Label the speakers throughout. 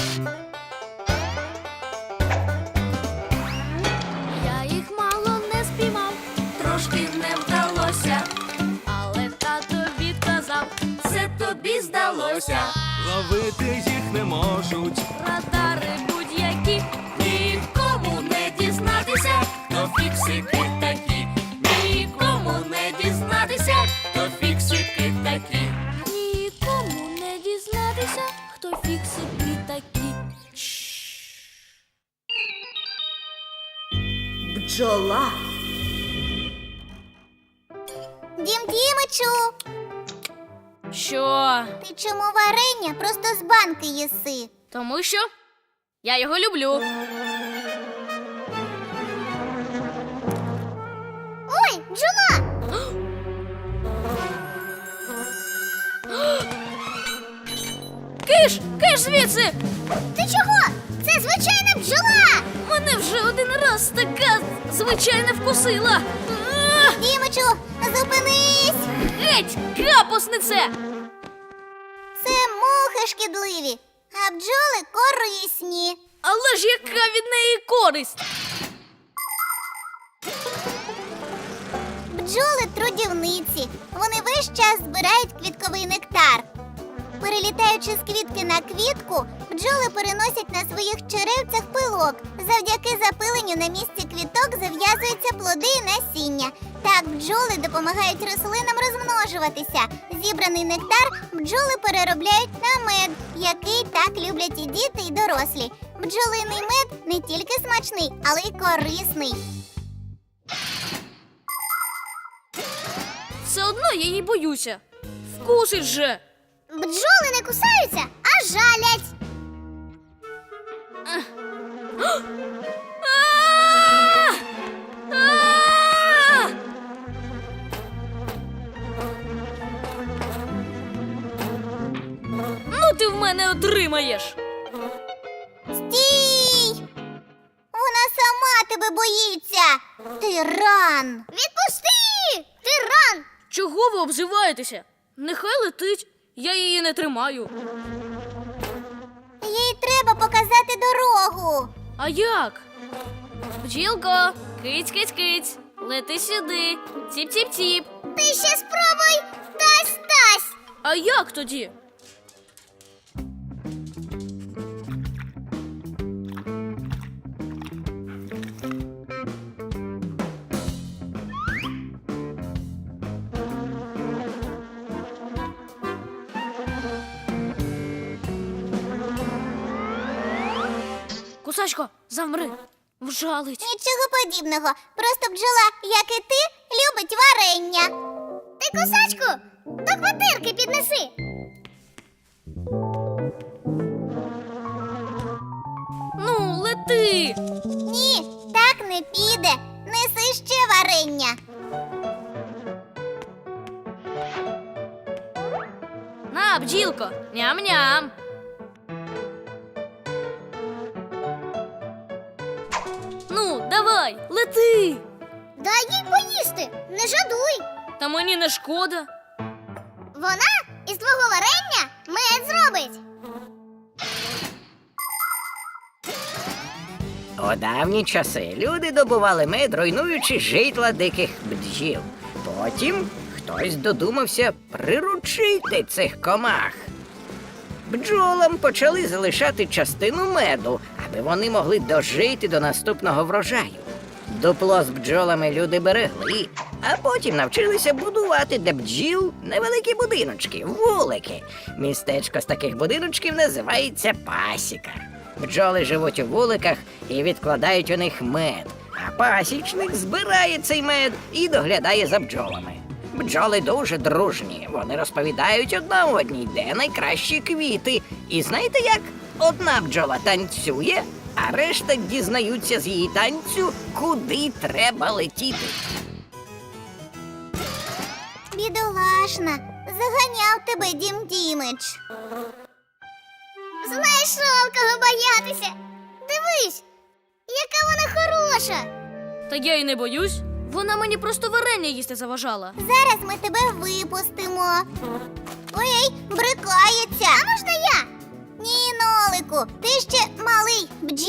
Speaker 1: Я їх мало не спіймав, трошки не вдалося, але тато відказав, це тобі здалося.
Speaker 2: Ловити їх не можуть.
Speaker 1: Радари будь-які, нікому не дізнатися, хто фіксики такі. Нікому не дізнатися, хто фіксики такі. Нікому не дізнатися, хто фіксики такі.
Speaker 3: Бджола.
Speaker 4: Дім Дімичу,
Speaker 1: Що?
Speaker 4: ти чому варення просто з банки їси?
Speaker 1: Тому що я його люблю.
Speaker 4: Ой, бджола!
Speaker 1: Киш звідси!
Speaker 4: Ти чого? Це звичайна бджола!
Speaker 1: Мене вже один раз така звичайна вкусила.
Speaker 4: Дімичу, зупинись!
Speaker 1: Геть, капуснице!
Speaker 4: Це мухи шкідливі, а бджоли корисні.
Speaker 1: Але ж яка від неї користь?
Speaker 4: Бджоли трудівниці. Вони весь час збирають квітковий нектар. Перелітаючи з квітки на квітку, бджоли переносять на своїх черевцях пилок. Завдяки запиленню на місці квіток зав'язуються плоди і насіння. Так бджоли допомагають рослинам розмножуватися. Зібраний нектар бджоли переробляють на мед, який так люблять і діти, і дорослі. Бджолиний мед не тільки смачний, але й корисний.
Speaker 1: Все одно я її боюся. Вкусить же.
Speaker 4: Бджоли не кусаються, а жалять.
Speaker 1: А! А! Ну ти в мене отримаєш.
Speaker 4: Стій! Вона сама тебе боїться. Тиран! Відпусти! Тиран!
Speaker 1: Чого ви обзиваєтеся? Нехай летить. Я її не тримаю.
Speaker 4: Їй треба показати дорогу.
Speaker 1: А як? Бджілко, киць-киць-киць, лети сюди. Ціп-ціп-ціп.
Speaker 4: Ти ще спробуй! Тась-тась!
Speaker 1: А як тоді? Кусачко, замри. Вжалить.
Speaker 4: Нічого подібного. Просто бджола, як і ти, любить варення. Ти, кусачку, до квартирки піднеси.
Speaker 1: Ну, лети.
Speaker 4: Ні, так не піде. Неси ще варення.
Speaker 1: На, бджілко, ням-ням. Ну, давай, лети.
Speaker 4: Дай їй поїсти, не жадуй.
Speaker 1: Та мені не шкода.
Speaker 4: Вона із твого варення мед зробить.
Speaker 5: У давні часи люди добували мед, руйнуючи житла диких бджіл. Потім хтось додумався приручити цих комах. Бджолам почали залишати частину меду, аби вони могли дожити до наступного врожаю. Дупло з бджолами люди берегли, а потім навчилися будувати для бджіл невеликі будиночки, вулики. Містечко з таких будиночків називається пасіка. Бджоли живуть у вуликах і відкладають у них мед, а пасічник збирає цей мед і доглядає за бджолами. Бджоли дуже дружні, вони розповідають одна одній, де найкращі квіти. І знаєте як? Одна бджола танцює, а решта дізнаються з її танцю, куди треба летіти.
Speaker 4: Бідолашна, заганяв тебе Дім Дімич. Знайшов кого боятися. Дивись, яка вона хороша.
Speaker 1: Та я й не боюсь. Вона мені просто варення їсти заважала.
Speaker 4: Зараз ми тебе випустимо. Ой, брикається. А можна я? Ні, Нолику, ти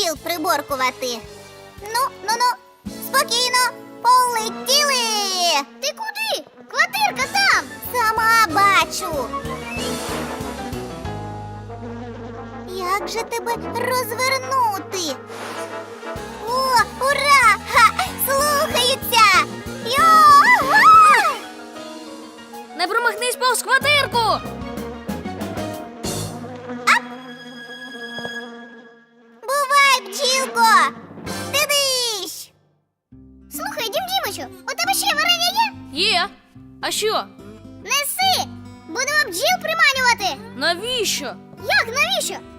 Speaker 4: бджіл приборкувати. Ну, спокійно, полетіли! Ти куди? Квартирка там! Сама бачу. Як же тебе розвернути? О, ура! Ха! Слухаються! Йо-га!
Speaker 1: Не промахнись повз квартирку!
Speaker 4: Бувай, бджілко! Дидищ! Слухай, Дім Дімичу, у тебе ще варення є?
Speaker 1: Є. А що?
Speaker 4: Неси! Будемо бджіл приманювати!
Speaker 1: Навіщо?
Speaker 4: Як, навіщо?